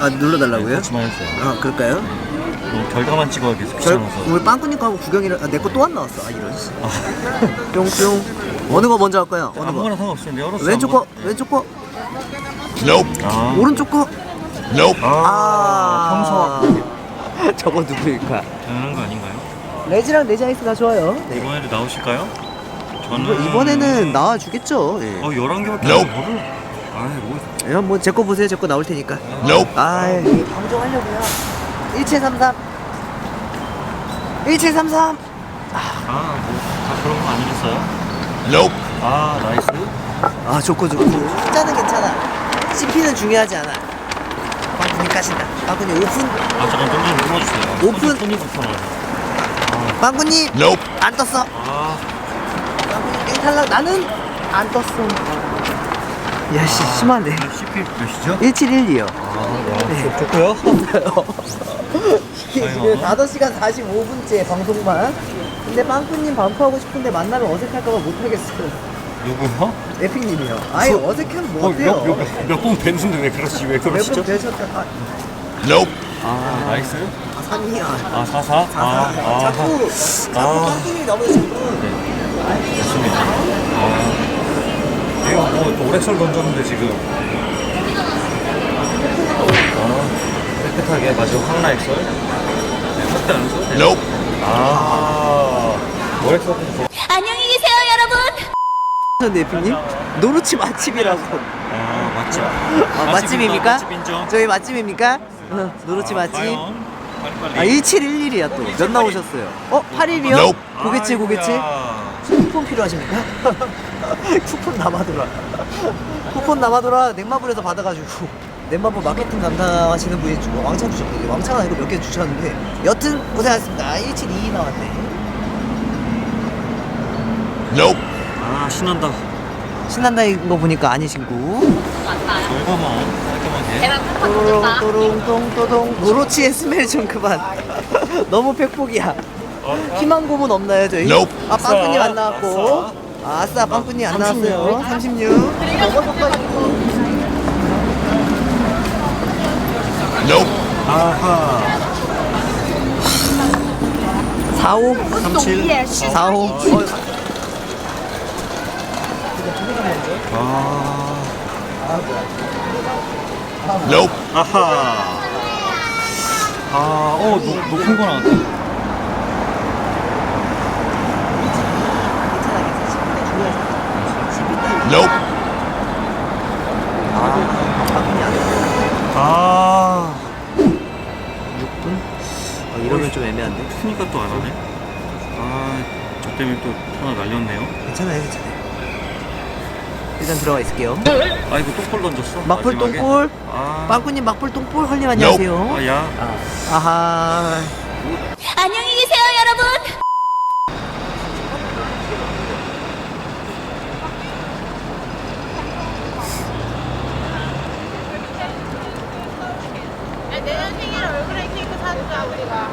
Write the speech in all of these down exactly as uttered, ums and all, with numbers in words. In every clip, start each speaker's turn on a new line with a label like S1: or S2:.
S1: 아 눌러달라고요?
S2: 네, 같이만 했어요.
S1: 아 그럴까요?
S2: 어, 결과만 찍어야 계속
S1: 저
S2: 귀찮아서.
S1: 우리 빵꾸님 거하고 구경이라 아, 내 거 또 안 나왔어. 아 이런. 뿅뿅. 어느 거 먼저 할까요? 어느 거?
S2: 아무거나 상관없으면 열었어.
S1: 왼쪽 거, 왼쪽 거,
S2: 아,
S1: 오른쪽 거.
S2: 아,
S1: 평소. 저거 누구일까?
S2: 당연한 거 아닌가요?
S1: 레지랑 레지아이스가 좋아요. 네.
S2: 이번에도 나오실까요? 저는
S1: 이번- 이번에는 나와 주겠죠. 예.
S2: 어 열한 개밖에 안 뭐를? 아이 뭐.
S1: 예, 뭐제 거 보세요. 제 거 나올 테니까. 아, 방송하려고요. 일칠삼삼. 일칠삼삼.
S2: 아, 뭐 다 그런 거 아니겠어요? 아, 나이스.
S1: 아, 좋고 좋고. 숫자는 괜찮아. 씨피는 중요하지 않아. 빵꾸님 까신다. 빵꾸님 오픈.
S2: 아, 잠깐 좀 눌러주세요.
S1: 오픈.
S2: 손이 불편하네.
S1: 빵꾸님 안 떴어.
S2: 아,
S1: 빵꾸님 땡 탈락. 나는 안 떴어. 야씨 심하네.
S2: 씨피 몇이죠?
S1: 일칠일이요.
S2: 아,
S1: 네.
S2: 좋고요.
S1: 이게 지금 다섯 시간 사십오 분째 방송만. 근데 빵꾸님 반포하고 싶은데 만나면 어색할까봐 못하겠어요.
S2: 누구요?
S1: 에픽님이요. 아예 어색하면 뭐 어때요?
S2: 몇번 뵀는데 왜 그러시지? 왜
S1: 몇번 뵈셨다. 아,
S2: 아, 나이스.
S1: 아 삼이야.
S2: 아, 사사? 아, 아,
S1: 자꾸 자꾸 빵꾸님이 너무 자꾸.
S2: 좋습니다. 아. 내가 뭐 오렉설 던졌는데 지금. 아, 깨끗하게 마지막 황라액설. 네, 절대 안 써도 돼. 아, 오렉설 좀.
S3: 안녕히 계세요, 여러분.
S1: 근데 에픽님 노루치 맛집이라고.
S2: 아, 맛집.
S1: 아, 맛집입니까?
S2: 맛집 인정.
S1: 저희 맛집입니까? 어, 노루치
S2: 아,
S1: 맛집.
S2: 과연? 빨리빨리.
S1: 아 일칠일일이야 또. 몇 나오셨어요? 어 팔일이요? 고깃집 고깃집.
S2: 아이고야.
S1: 쿠폰 필요하십니까? 쿠폰 남아돌아. 쿠폰 남아돌아 냉마블에서 받아가지고 냉마블 마케팅 담당하시는 분이 주고 왕창 주셨거든요. 왕창 아니고 몇 개 주셨는데 여튼 고생하셨습니다. 일칠이이 나왔네.
S2: 아, 신난다.
S1: 신난다 이거 보니까 아니신구.
S2: 결과만 깔끔하게.
S1: 또롱 또롱 똥또동. 노로치의 스멜 좀 그만. 너무 팩폭이야. 희망 고문 없나요 저희? 아 빵꾸님 안 나왔고. 아, 아싸 빵꾸님 안 나왔어요. 삼십육.
S2: 아하.
S1: 사오.
S2: 삼칠.
S1: 사오. 어,
S2: 아. 아하. 아, 어, 높, 높은 거 나왔다. 아.
S1: 육 분? 어, 이러면 좀 애매한데?
S2: 크니까 또 안 하네. 아, 저 때문에 또 하나 날렸네요.
S1: 괜찮아요, 괜찮아요. 일단 들어가 있을게요.
S2: 아, 이거 똥볼 던졌어.
S1: 막불
S2: 마지막에.
S1: 똥볼.
S2: 아.
S1: 빵꾸님 막불 똥볼. 헐님 안녕하세요.
S2: 아, 야.
S1: 아하.
S3: 안녕히 계세요, 여러분.
S4: 내년 생일에 얼그레이 케이크 사주자 우리가.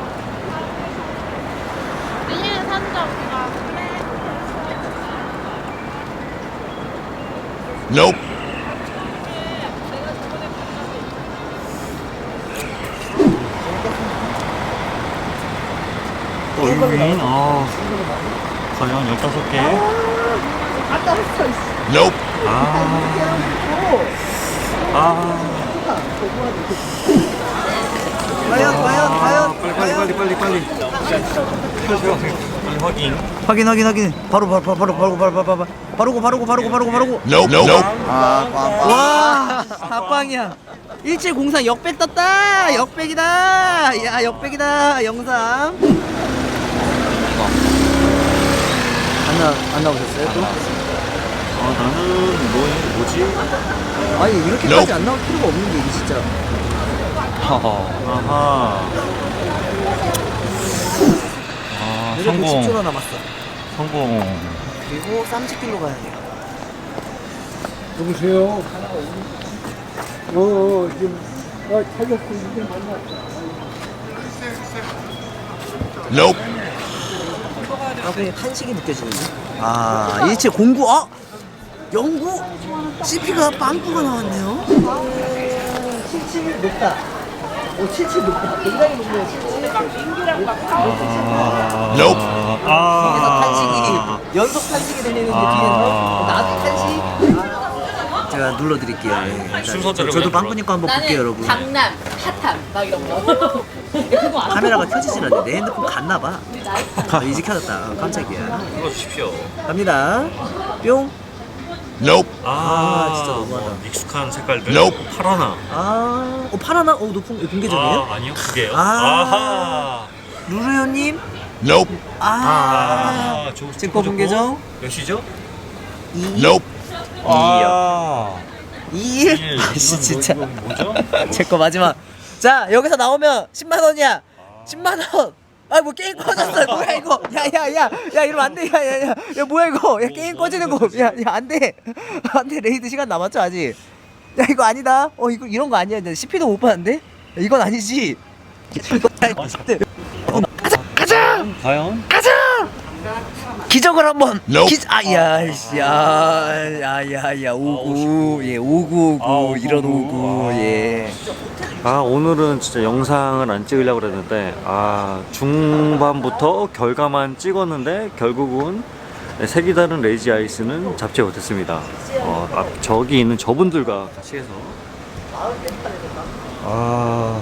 S4: 내년에 사주자 우리가. 그래.
S2: 어, 유인. 아. 과연 열다섯 개.
S1: 아까 했어.
S2: 아. 아.
S1: 과연, 과연, 과연.
S2: 빨리, 빨리, 빨리, 빨리, 빨리. 빨리 확인.
S1: 확인, 확인, 확인. 바로, 바로, 바로, 바로, 바로, 바로, 바로, 바로, 바로고, 바로고, 바로고, 바로고, 바로고. 아, 꽝, 와, 다꽝이야. 일칠공사 역백 떴다. 역백이다. 야, 역백이다. 영상. 안 나, 안 나오셨어요 또?
S2: 아, 나는 뭐, 뭐지?
S1: 아니 이렇게까지 안 나올 필요가 없는 게 이게 진짜.
S2: 아하. 아,
S1: 내려
S2: 성공.
S1: 백십 초 남았어.
S2: 성공.
S1: 그리고 쌈치길로 가야 돼요.
S5: 여보세요. 어, 지금 나 찾았고 이제 만났어.
S1: 아 그냥 탄식이 느껴지는데. 아 일칠공구. 어? 영구? 씨피가 빵꾸가 나왔네요. 칠칠 높다. 오, 칠칠 높아. 굉장히 높네요, 칠칠.
S2: Nope.
S1: 뒤에서
S2: 아.
S1: 탄식이, 연속 탄식이 들리는데 뒤에서 나도 탄식. 제가 눌러드릴게요. 예.
S2: 순서대로
S1: 저도
S2: 그냥
S1: 빵꾸님 거 한번 볼게요, 여러분.
S3: 강남, 핫함 막 이런 거. 그거 안
S1: 카메라가 켜지질 않네. 내 핸드폰 갔나봐. 아, 이제 켜졌다. 아, 깜짝이야.
S2: 불러주십시오.
S1: 갑니다. 뿅.
S5: Nope.
S1: 아, 진짜 너무하다.
S2: 뭐 익숙한 색깔들.
S5: Nope.
S2: 파라나.
S1: 아, 어, 파라나? 어, 높은, 공개적이에요?
S2: 아, 아니요, 그게요.
S1: 아.
S2: 아하.
S1: 루루요님?
S5: Nope.
S1: 아,
S2: 아, 저
S1: 찍고 공개정?
S2: 몇 시죠?
S1: 이,
S5: Nope.
S2: 아.
S1: 이, 일.
S2: 일.
S1: 아씨,
S2: 이건
S1: 진짜.
S2: 뭐, 이건 뭐죠?
S1: 제 거 마지막. 자, 여기서 나오면 십만 원이야. 십만 원. 아, 뭐 게임 꺼졌어. 뭐야 이거? 야, 야, 야, 야, 이러면 안 돼. 야, 야, 야, 야, 뭐야 이거? 야, 게임 꺼지는 거. 야, 야, 안 돼. 안 돼. 레이드 시간 남았죠 아직. 야, 이거 아니다. 어, 이거 이런 거 아니야. 씨피도 못 봤는데? 야, 이건 아니지. 가자, 가자,
S2: 과연?
S1: 가자. 기적을 한번.
S5: Nope.
S1: 기, 아, 야, 씨, 야, 야, 야, 야, 오구, 예, 오구,
S2: 아,
S1: 오구,
S2: 오구,
S1: 이런
S2: 오구.
S1: 오구,
S2: 아.
S1: 예.
S2: 아, 오늘은 진짜 영상을 안 찍으려고 그랬는데, 아, 중반부터 결과만 찍었는데, 결국은 색이 다른 레이지 아이스는 잡지 못했습니다. 어, 앞, 저기 있는 저분들과 같이 해서. 아,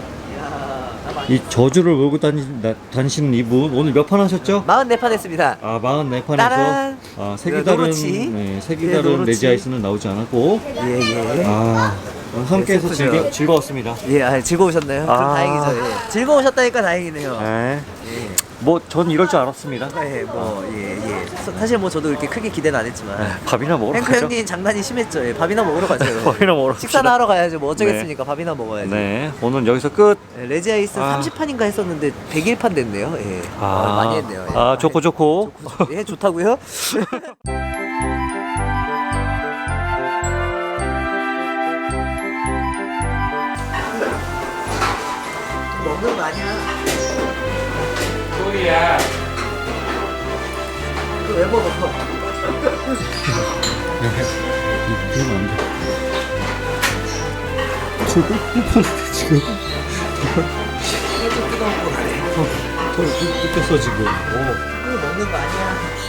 S2: 이 저주를 몰고 다니, 나, 다니시는 이분, 오늘 몇 판 하셨죠?
S1: 마흔네 판 했습니다.
S2: 아, 사십사 판에서
S1: 따란.
S2: 아, 색이
S1: 네,
S2: 다른
S1: 노르치.
S2: 네, 색이
S1: 예,
S2: 다른
S1: 노르치.
S2: 레지 아이스는 나오지 않았고,
S1: 예, 예.
S2: 아, 함께해서
S1: 네,
S2: 즐겨,
S1: 슬프죠.
S2: 즐거웠습니다.
S1: 예, 아, 즐거우셨나요? 그럼
S2: 아.
S1: 다행이죠. 예. 즐거우셨다니까 다행이네요.
S2: 네.
S1: 예.
S2: 뭐, 전 이럴 줄 알았습니다.
S1: 예, 뭐, 예, 예. 사- 사실 뭐 저도 이렇게 크게 기대는 안 했지만.
S2: 밥이나 먹으러
S1: 탱크
S2: 가죠.
S1: 형님 장난이 심했죠. 예, 밥이나 먹으러 가죠.
S2: 밥이나 먹으러
S1: 식사나
S2: 갑시다.
S1: 하러 가야죠. 뭐 어쩌겠습니까? 밥이나 먹어야지.
S2: 네, 오늘 여기서 끝.
S1: 예, 레지 아이스
S2: 아.
S1: 삼십 판인가 했었는데 백일 판 됐네요. 예. 아,
S2: 아,
S1: 많이 했네요. 예.
S2: 아, 좋고 좋고.
S1: 예, 좋다고요? 먹는 거 아니야?
S2: 소리야.
S1: 그거 왜 먹어?
S2: 그러면 안 돼. 지금 뽀뽀하는데 지금.
S1: 이게 좀 뜨거운 거 가네.
S2: 저 뜯겼어 지금. 오.
S1: 그거 먹는 거 아니야?